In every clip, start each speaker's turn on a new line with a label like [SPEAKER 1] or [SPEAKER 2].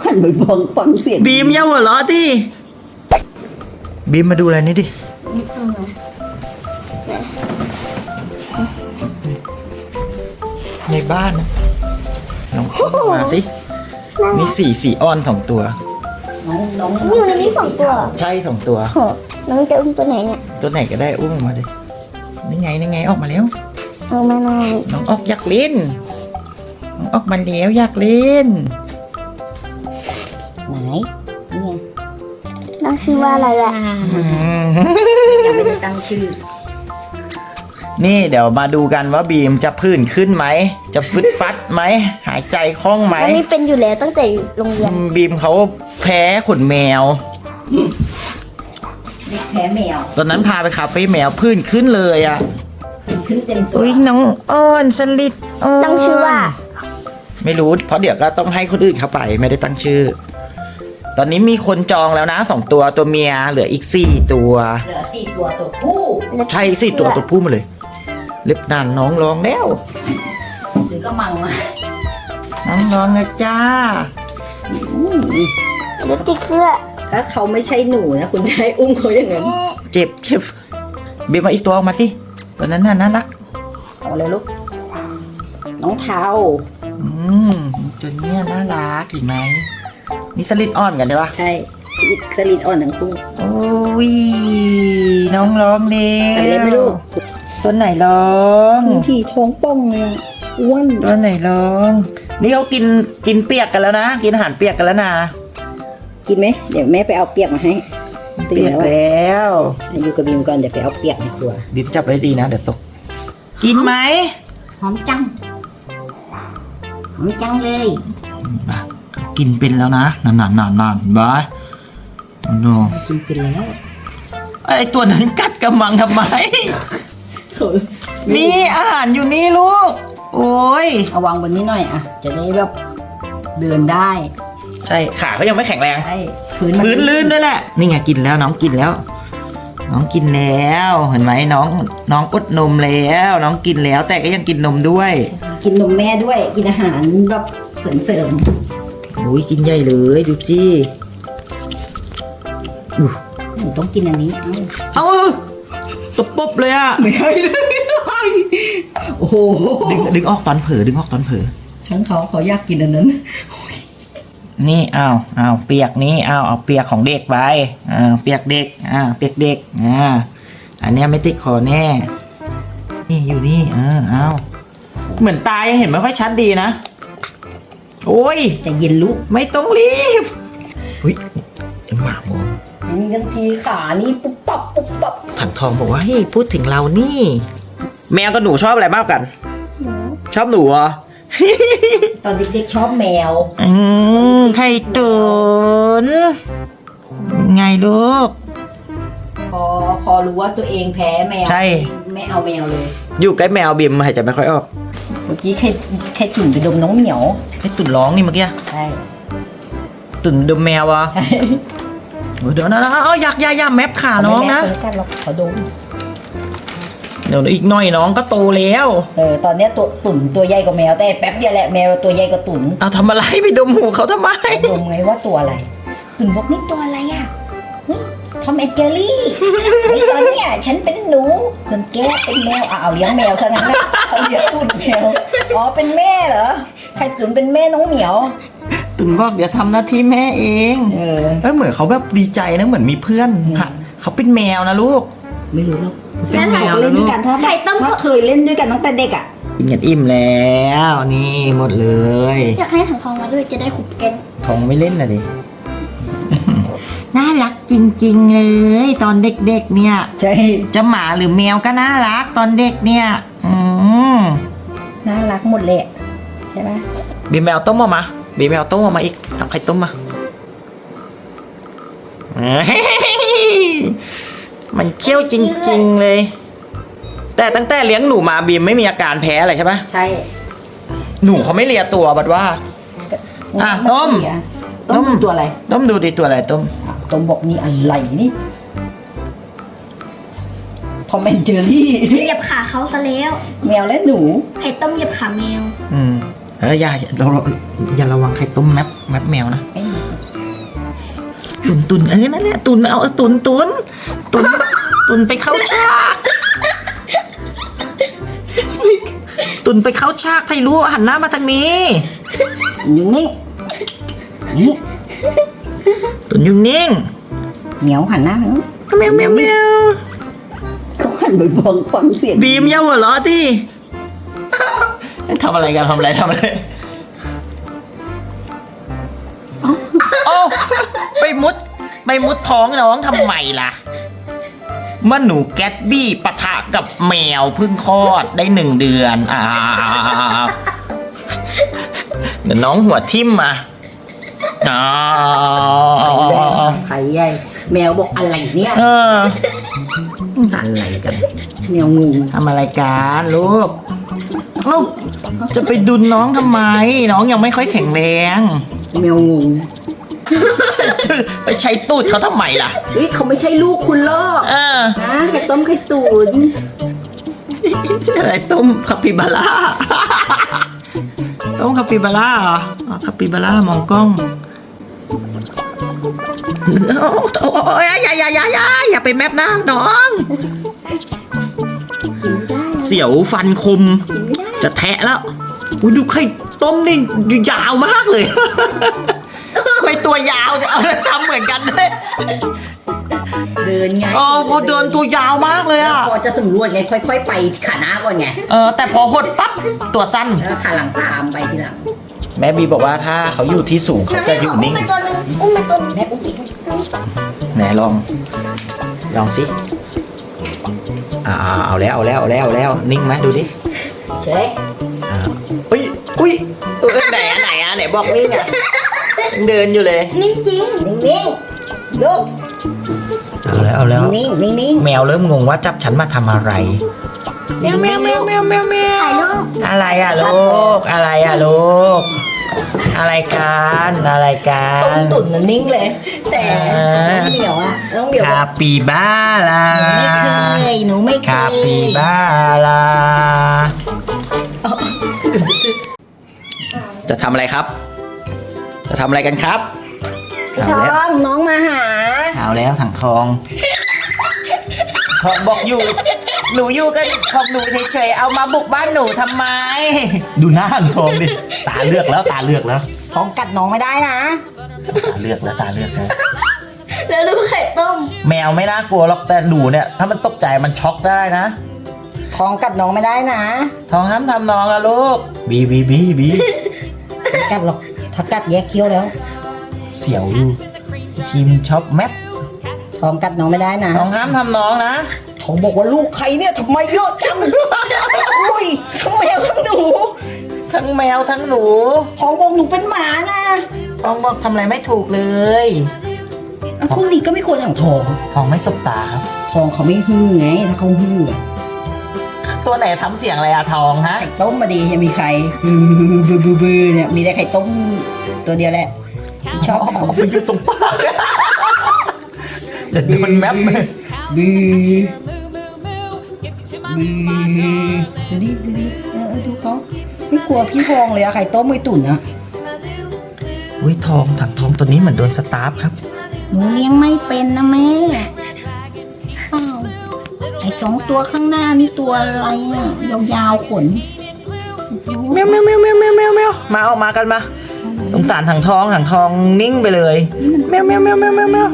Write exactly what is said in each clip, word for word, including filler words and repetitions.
[SPEAKER 1] หันไปฟังฟังเสียง
[SPEAKER 2] บีมอย่าหัวเราะดิบีมมาดูอะไรนี่ดิในบ้านนะลองเข้ามาสิมีสี่สีอ้อนสองตัว
[SPEAKER 1] น้องน้อง
[SPEAKER 3] อยู่ในนี้สองตัว
[SPEAKER 2] ใช่สองตัว
[SPEAKER 3] โหน้องจะอุ้มตัวไหนเนี่ย
[SPEAKER 2] ตัวไหนก็ได้อุ้มออกมาดินี่ไงนี่ไงออกมาแล้ว
[SPEAKER 3] เอามาหน่อย
[SPEAKER 2] น้องออกอยากเล่นน้องออกมาแล้วอยากเล่น
[SPEAKER 1] ไหนนี่ไง
[SPEAKER 3] น้องชื่อว่าอะไรอ่ะ
[SPEAKER 2] อืม
[SPEAKER 1] ยังไม่ได้ตั้งชื่อ
[SPEAKER 2] นี่เดี๋ยวมาดูกันว่าบีมจะผื่นขึ้นไหมจะฟึดฟัดไหมหายใจคล่องไหม
[SPEAKER 3] แล้วนี่เป็นอยู่แล้วตั้งแต่อยู่โรงเรียน
[SPEAKER 2] บีมเขาแพ้ขนแมว
[SPEAKER 1] เด็กแพ้แมว
[SPEAKER 2] ตอนนั้นพาไปคาเฟ่แมวผื่นขึ้นเลยอ่ะ
[SPEAKER 1] ขึ้นเต็มตัว
[SPEAKER 2] อุ้ยน้องอ้อนสลิดอ้อน
[SPEAKER 3] ตั้งชื่อว่า
[SPEAKER 2] ไม่รู้เพราะเดี๋ยวก็ต้องให้คนอื่นเข้าไปไม่ได้ตั้งชื่อ ตอนนี้มีคนจองแล้วนะสองตัวตัวเมียเหลืออีกสี่ตัว
[SPEAKER 1] เหลือสี่ตัวตัวผู้
[SPEAKER 2] ใช่สี่ตัวตัวผู้มาเลย เล็บนานน้องร้องแล้ว
[SPEAKER 1] ซื้อกระมังมา
[SPEAKER 2] น้องร้องนะจ้า
[SPEAKER 3] แล้วติดเสื้อ
[SPEAKER 1] ถ้าเขาไม่ใช่หนูนะคุณจะให้อุ้มเขาอย่างนั้น
[SPEAKER 2] เจ็บเจ็บบีมมาอีกตัวออกมาสิตัวนั้นน่าน่ารัก
[SPEAKER 1] เอาเลยลูกน้องเทา
[SPEAKER 2] อืมตัวเนี้ยน่ารักเห็นไหมนี่สลิดอ่อนกันใช่ปะ
[SPEAKER 1] ใช่สลิดอ่อนทั้งคู่
[SPEAKER 2] โอ้ยน้องร้องเร็ว
[SPEAKER 1] แต่เล็บไม่ลูก
[SPEAKER 2] ตัวไหนร้อง
[SPEAKER 1] ที่ท้องป่องเลยอะอ้วน
[SPEAKER 2] ตัวไหนร้อง นี่เขากินกินเปียกกันแล้วนะกินอาหารเปียกกันแล้วนะ
[SPEAKER 1] กินไหมเดี๋ยวแม่ไปเอาเปียกมาให้ตื่น
[SPEAKER 2] เปียก
[SPEAKER 1] แล้วอะ
[SPEAKER 2] แล้ว
[SPEAKER 1] อยู่กับบีมก่อนเดี๋ยวไปเอาเปียกในครัว
[SPEAKER 2] บีมจับไว้ดีนะเดี๋ยวตก กินไหม
[SPEAKER 1] หอมจังหอมจังเลย
[SPEAKER 2] มากินเป็นแล้วนะนานนานนานนานบายโน่
[SPEAKER 1] กินไปแล้ว
[SPEAKER 2] ไอตัวนั้นกัดกำมังทำไม นี่อาหารอยู่นี่ลูก โอ้ย
[SPEAKER 1] เอาวางบนนี้หน่อยอ่ะ จะได้แบบเดินได้
[SPEAKER 2] ใช่ขาเขายังไม่แข็งแรง
[SPEAKER 1] ใช่พื้นมั
[SPEAKER 2] พื้นลื่นด้วยแหละ นี่ไงกินแล้วน้องกินแล้ว น้องกินแล้วเห็นไหมน้องน้องอดนมแล้ว น้องกินแล้วแต่ก็ยังกินนมด้วย
[SPEAKER 1] กินนมแม่ด้วย กินอาหารแบบเสริม
[SPEAKER 2] โอ้ยกินใหญ่เลยดูสิอู้
[SPEAKER 1] ๆหนูต้องกินอันนี้ เอ้า
[SPEAKER 2] เอ้าตบปุ๊บเลยอะ
[SPEAKER 1] ไม่ให้เลยโอ้โห
[SPEAKER 2] ดึงดึงออกตอนเผลอดึงออกตอนเผลอ
[SPEAKER 1] ฉันเขาเขาอยากกินอันนั้น
[SPEAKER 2] นี่อ้าวอ้าวเปียกนี้อ้าวเอาเปียกของเด็กไปอ่าเปียกเด็กอ่าเปียกเด็กอ่าอันเนี้ยไม่ติดคอแน่นี่อยู่นี่เอออ้าวเหมือนตายเห็นไม่ค่อยชัดดีนะโอ้ย
[SPEAKER 1] จะเย็นลุก
[SPEAKER 2] ไม่ต้องรีบอุ้ยเอ็มหมามอง
[SPEAKER 1] นี่กันทีขานี่ปุ๊บปับปุ๊บปับ
[SPEAKER 2] ถังทองบอกว่าเฮ้ยพูดถึงเรานี่ แมวกับหนูชอบอะไรมากกัน ชอบหนูเหรอ
[SPEAKER 1] ตอนเด็กๆชอบแมว
[SPEAKER 2] อืมไข่ตุ๋นไงลูก
[SPEAKER 1] พอพอรู้ว่าตัวเองแพ้แมว
[SPEAKER 2] ใช่
[SPEAKER 1] ไม่เอาแมวเลย
[SPEAKER 2] อยู่ใกล้แมวบิมหายใจไม่ค่อยออก
[SPEAKER 1] เมื่อกี้แค่แค่จุ่นไปดมน้องเหมียว
[SPEAKER 2] ไอ้ตุ่นร้องนี่เมื่อกี้
[SPEAKER 1] ใช่
[SPEAKER 2] ตุ่นดมแมวอ่ะโอ้ยเดี๋ยวนะนะเอาอยากอยาอยาแมปขาน้องนะ
[SPEAKER 1] เขาไม่แม่กันหรอกเขาดม
[SPEAKER 2] เดี๋ยวอีกหน่อยน้องก็โตแล้ว
[SPEAKER 1] เออตอนเนี้ยตัวตุ่นตัวใหญ่กว่าแมวแต่แป๊บเดียวแหละแมวตัวใหญ่กว่าตุ่น
[SPEAKER 2] เอาทำอะไรไปดมหูเขาทำไม
[SPEAKER 1] ดมไงว่าตัวอะไร ตุ่นบอกนี่ตัวอะไรอ่ะเฮ้ยทอมแอนเจอรี่ไอ้ตอนเนี้ยฉันเป็นหนูส่วนแกเป็นแมวอ่ะเอาเลี้ยงแมวซะงั้นนะเอาเลี้ยงตุ่นแมวอ๋อเป็นแม่เหรอใครตุ่นเป็นแม่น้องเหมียว
[SPEAKER 2] ตุ่นบอกเดี๋ยวทำหน้าที่แม่เอง
[SPEAKER 1] เออ
[SPEAKER 2] เอ้ยเหมือนเขาแบบดีใจนะเหมือนมีเพื่อนฮะเขาเป็นแมวนะลูก
[SPEAKER 1] ไม่รู้หรอก
[SPEAKER 2] เป็นแมว
[SPEAKER 1] เล่
[SPEAKER 2] นะ
[SPEAKER 1] นด้
[SPEAKER 2] ลู
[SPEAKER 1] วย
[SPEAKER 2] ก
[SPEAKER 1] กันถ้า
[SPEAKER 3] ไข่ต้ม
[SPEAKER 1] ถ้าเคยเล่นด้วยกันตั้งแต่เด็กอ่ะ
[SPEAKER 2] กินกันอิ่มแล้วนี่หมดเลย
[SPEAKER 3] อยากให้ถังทองมาด้วยจะได้ขุบกัน
[SPEAKER 2] ทองไม่เล่นนะดิ น่ารักจริงๆเลย ตอนเด็กๆเนี่ย
[SPEAKER 1] ใช่
[SPEAKER 2] จะหมาหรือแมวก็น่ารักตอนเด็กเนี่ย อืม
[SPEAKER 1] น่ารักหมดเลยใช่ไหม
[SPEAKER 2] บีแมวต้มออกมาบีแมวต้มออกมาอีกทำไข่ต้มมาเฮ้ยมันเคี้ยวจริงๆเลย แต่ตั้งแต่เลี้ยงหนูมาบีมไม่มีอาการแพ้อะไรใช่ไหม
[SPEAKER 1] ใช่
[SPEAKER 2] หนูเขาไม่เลียตัวบัดว่า อ่ะต้ม
[SPEAKER 1] ต้มเป็นตัวอะไร
[SPEAKER 2] ต้มดูดิตัวอะไรต้ม
[SPEAKER 1] อ่ะต้มบอกนี่อะไรนี่ทอมแอนเจอรี่
[SPEAKER 3] เหยียบขาเขาซะแล้ว
[SPEAKER 1] แมวและหนู
[SPEAKER 3] ไข่ต้มเหยียบขาแมว
[SPEAKER 2] อืมเอออย่าเราอย่าระวังไข่ต้มแมปแมปแมวนะ
[SPEAKER 1] ไม่มี
[SPEAKER 2] ตุนตุนเออนั่นแหละตุนเอาตุนตุนตุนตุนไปเข้าฉากตุนไปเข้าฉากใครรู้หันหน้ามาทางนี้
[SPEAKER 1] อยู่นี่นี่
[SPEAKER 2] ตุนอยู่นิ่ง
[SPEAKER 1] เหมียวหันหน้ามา
[SPEAKER 2] แมวแมวแมว
[SPEAKER 1] เขาหันไปมองฟังเสียง
[SPEAKER 2] บีมอย่าหัวเราะที่ทำอะไรกันทำอะไรทำอะไรโอ้ไปมุดไปมุดท้องน้องทำไมล่ะเมื่อหนูแกตบี้ปะทะกับแมวเพิ่งคลอดได้หนึ่งเดือนอ่าเดี๋ยวน้องหัวทิ่มมาอ๋อ
[SPEAKER 1] ไข่ใหญ่แมวบอกอะไรเนี่ย
[SPEAKER 2] เอออะไรกัน
[SPEAKER 1] แมวงง
[SPEAKER 2] ทำอะไรกันลูกเอ้าจะไปดุนน้องทำไม น้องยังไม่ค่อยแข็งแรง
[SPEAKER 1] แมวงง
[SPEAKER 2] ไปใช้ตูดเขาทำไมล่ะ
[SPEAKER 1] เฮ้ยเขาไม่ใช่ลูกคุณลอก
[SPEAKER 2] เออ
[SPEAKER 1] นะไข่ต้มไข่ตุ๋น
[SPEAKER 2] อะไรต้มคาปิบาร่า ต้มคาปิบาร่าเหรออ๋อคาปิบาร่ามองกล้องโอ้ยอย่าอย่าอย่าอย่าอย่าไปแมปหน้าน้อง
[SPEAKER 1] กินไม่ได้
[SPEAKER 2] เสียวฟันคม
[SPEAKER 1] กินไม่ได้
[SPEAKER 2] จะแทะแล้วอุ๊ยดูไข่ต้มนี่ยาวมากเลย ไม่ตัวยาวแต่เอาทำเหมือนกันเลย
[SPEAKER 1] เดินไง
[SPEAKER 2] อ๋อพอเดินตัวยาวมากเลยอ่ะ
[SPEAKER 1] พอจะสำรวจไงค่อยๆไปขาหน้าก่อนไง
[SPEAKER 2] เออแต่พอหดปั๊บตัวสั้น
[SPEAKER 1] แล้วขาหลังตามไปทีหลัง
[SPEAKER 2] แม่บีบอกว่าถ้าเขาอยู่ที่สูงเขาจะอยู่นิ่ง
[SPEAKER 3] อุ้มไปตัวหนึงอุ้มไปตัวหนึง
[SPEAKER 1] แม่อุ้มอีก
[SPEAKER 2] ไหนลอง ลองสิอ่าเอาแล้วเอาแล้วเอาแล้วเอาแล้วนิ่งไหมดูดิ
[SPEAKER 1] เช็ค
[SPEAKER 2] อ่าอุ้ยอุ้ยเออไหนอ่ะไหนอ่ะไหนบอกนิ่งอ่ะยังเดินอยู่เลย
[SPEAKER 3] นิ่งจริง
[SPEAKER 1] นิ่งๆลูก
[SPEAKER 2] เอาแล้วเอาแล้ว
[SPEAKER 1] นิ่งๆนิ่ง
[SPEAKER 2] แมวเริ่มงงว่าจับฉันมาทำอะไรแมวแมวแมวแมวแมวแมว
[SPEAKER 3] ถ่ายรูป
[SPEAKER 2] อะไรอ่ะลูกอะไรอ่ะลูกอะไรกันอะไรกั
[SPEAKER 1] ๆต้ม
[SPEAKER 2] น
[SPEAKER 1] ตุ๋นน่ะนิ่งเลย แต่
[SPEAKER 2] อ่า
[SPEAKER 1] น้องเหมียวอะน้องเหมียว
[SPEAKER 2] คาปิบาร่า
[SPEAKER 1] ไม่เคยหนูไม่เค
[SPEAKER 2] คาย ปิบาร่าจะทำอะไรครับ จะทำอะไรกันครับ
[SPEAKER 1] พี่
[SPEAKER 2] เอา
[SPEAKER 1] ท
[SPEAKER 2] แล้ว
[SPEAKER 1] องน้องมาหา
[SPEAKER 2] เอาแล้วถังทองทองบอกอยู่ หนูอยู่กันของหนูเฉยๆเอามาบุกบ้านหนูทำไม ดูหน้าถังทองดิตาเลือกแล้วตาเลือกแล้ว
[SPEAKER 1] ท้องกัดน้องไม่ได้นะ
[SPEAKER 2] ตาเลือกแล้วตาเลือกแล้ว
[SPEAKER 3] แล้วดูไข่ต้ม
[SPEAKER 2] แมวไม่น่ากลัวหรอกแต่หนูเนี่ย ถ้ามันตกใจมันช็อกได้นะ
[SPEAKER 1] ท้องกัดน้องไม่ได้นะ
[SPEAKER 2] ทองห้ามทำน้องอะลูกบีบีบีบี
[SPEAKER 1] ไม่กัดหรอกถ้ากัดแยกเคี้ยวแล้ว
[SPEAKER 2] เสียวอยู่ทีมช็อปแมป
[SPEAKER 1] ท้องกัดน้องไม่ได้นะ
[SPEAKER 2] ทองห้ามทำน้องนะ
[SPEAKER 1] ท้องบอกว่าลูกใครเนี่ยทำไมเยอะจัง อุ้ยทั้งแมวทั้งหนู
[SPEAKER 2] ทั้งแมวทั้งหนู
[SPEAKER 1] ท้องบอกหนูเป็นหมานะ
[SPEAKER 2] ทองบอกทำอะไรไม่ถูกเลย
[SPEAKER 1] อ่ะพวกนี้ก็ไม่ควรถังทอง
[SPEAKER 2] ทองไม่สบตาครับ
[SPEAKER 1] ทองเขาไม่ฮือไงถ้าเขาฮืออะ
[SPEAKER 2] ตัวไหนทำเสียงอะไรอะทองฮะ
[SPEAKER 1] ไข่ต้มมาดียังมีใครฮือบือบือบือเนี่ยมีแต่ไข่ต้มตัวเดียวแหละที่ชอบทำ
[SPEAKER 2] ไปอยู่ตรงปากเดี๋ยวโดนแมป
[SPEAKER 1] บือบือดูดิดูดิเออดูเขาไม่กลัวพี่ทองเลยอะไข่ต้มไม่ตุ๋นอะ
[SPEAKER 2] อุ้ยทองถังทองตัวนี้เหมือนโดนสตาร์ฟครับ
[SPEAKER 1] หนูเลี้ยงไม่เป็นนะแม่อ้าวไอ้สองตัวข้างหน้านี่ตัวอะไรอะยาวๆขน
[SPEAKER 2] แมวแมวแมวแมวแมวแมวแมวมาออกมากันมาสงสารถังทองถังทองนิ่งไปเลยแมวแมวแมวแมวแมวแมว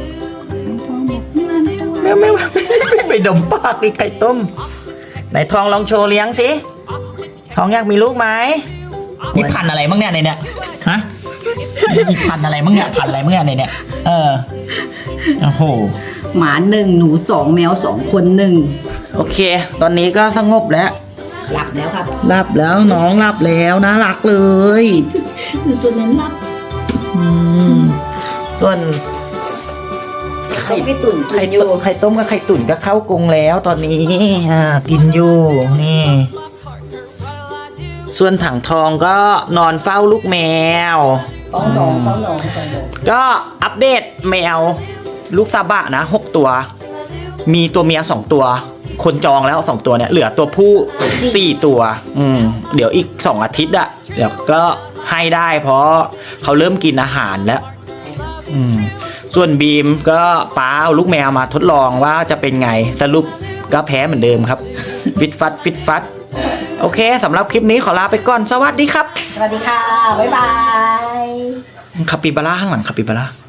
[SPEAKER 2] แมวแมวไปดมปากอีกไก่ต้มไหนทองลองโชว์เลี้ยงสิทองอยากมีลูกไหมมีพันธุ์อะไรบ้างเนี่ยในเนี่ยฮะมีพันธุ์อะไรบ้างเนี่ยพันธุ์อะไรบ้างเนี่ยในเนี่ยเออโอ้โห
[SPEAKER 1] หมาหนึ่งหนูสองแมวสองคนหนึ่ง
[SPEAKER 2] โอเค ตอนนี้ก็สงบแล้ว
[SPEAKER 1] หลับแล้วครับ
[SPEAKER 2] หลับแล้วน้องหลับแล้วน่ารักเลย
[SPEAKER 1] คือตัวนั้นหลับ
[SPEAKER 2] อืมส่วน
[SPEAKER 1] ไข่ไม่ตุ๋นกิ
[SPEAKER 2] ไข่
[SPEAKER 1] นอยู่
[SPEAKER 2] ต้มไข่ต้มกับไข่ตุ๋นก็เข้ากรงแล้วตอนนี้อ่ากินอยู่นี่ ส่วนถังทองก็นอนเฝ้าลูกแมว
[SPEAKER 1] ฟ้องน้องฟ้องน้องฟ้องน้อง
[SPEAKER 2] ก็อัปเดตแมวลูกซาบะนะหกตัว มีตัวเมียสองตัว คนจองแล้วสองตัวเนี่ยเหลือตัวผู้สี่ตัว อืมเดี๋ยวอีกสองอาทิตย์อะเดี๋ยวก็ให้ได้เพราะเขาเริ่มกินอาหารแล้ว อืมส่วนบีมก็ป้าเอาลูกแมวมาทดลองว่าจะเป็นไงสรุปก็แพ้เหมือนเดิมครับ ฟิตฟัดฟิตฟัดโอเคสำหรับคลิปนี้ขอลาไปก่อนสวัสดีครับ
[SPEAKER 1] สวัสดีค่ะ บ๊ายบาย
[SPEAKER 2] คาปิบาร่าข้างหลังคาปิบาร่า